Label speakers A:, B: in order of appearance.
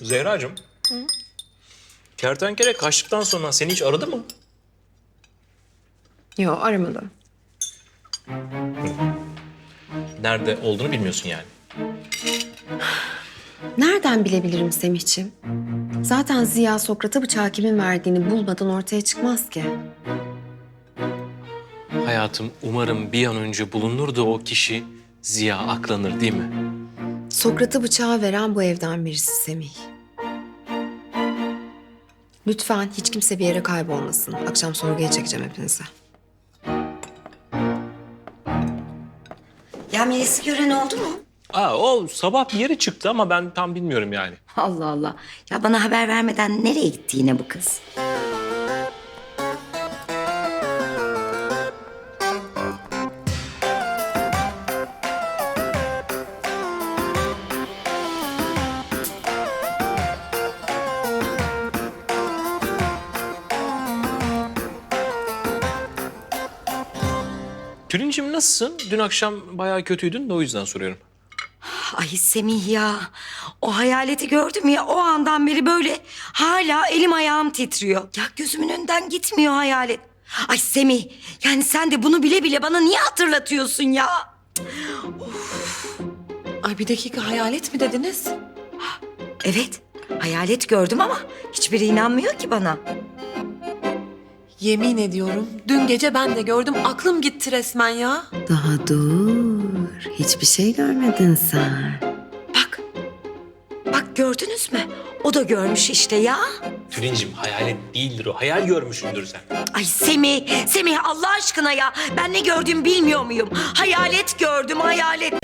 A: Zehracığım. Kertenkele kaçtıktan sonra seni hiç aradı mı?
B: Yok, aramadı.
A: Nerede olduğunu bilmiyorsun yani.
B: Nereden bilebilirim Semihciğim? Zaten Ziya Sokrat'a bıçağı kimin verdiğini bulmadan ortaya çıkmaz ki.
A: Hayatım, umarım bir an önce bulunur da o kişi Ziya aklanır, değil mi?
B: Sokrat'a bıçağı veren bu evden birisi Semih. Lütfen hiç kimse bir yere kaybolmasın. Akşam sorguya çekeceğim hepinizi.
C: Ya Melis'i gören oldu mu?
A: O sabah bir yere çıktı ama ben tam bilmiyorum yani.
C: Allah Allah. Ya bana haber vermeden nereye gitti yine bu kız?
A: Tülincim nasılsın? Dün akşam bayağı kötüydün de o yüzden soruyorum.
C: Ay Semih ya. O hayaleti gördüm ya o andan beri böyle hala elim ayağım titriyor. Ya gözümün önünden gitmiyor hayalet. Ay Semih yani sen de bunu bile bile bana niye hatırlatıyorsun ya?
D: Ay bir dakika, hayalet mi dediniz?
C: Evet hayalet gördüm ama hiçbiri inanmıyor ki bana.
D: Yemin ediyorum dün gece ben de gördüm, aklım gitti resmen ya.
B: Daha dur. Hiçbir şey görmedin sen.
C: Bak. Bak gördünüz mü? O da görmüş işte ya.
A: Tülincim hayalet değildir o. Hayal görmüşsündür sen.
C: Ay Semih Allah aşkına ya. Ben ne gördüğümü bilmiyor muyum? Hayalet gördüm, hayalet.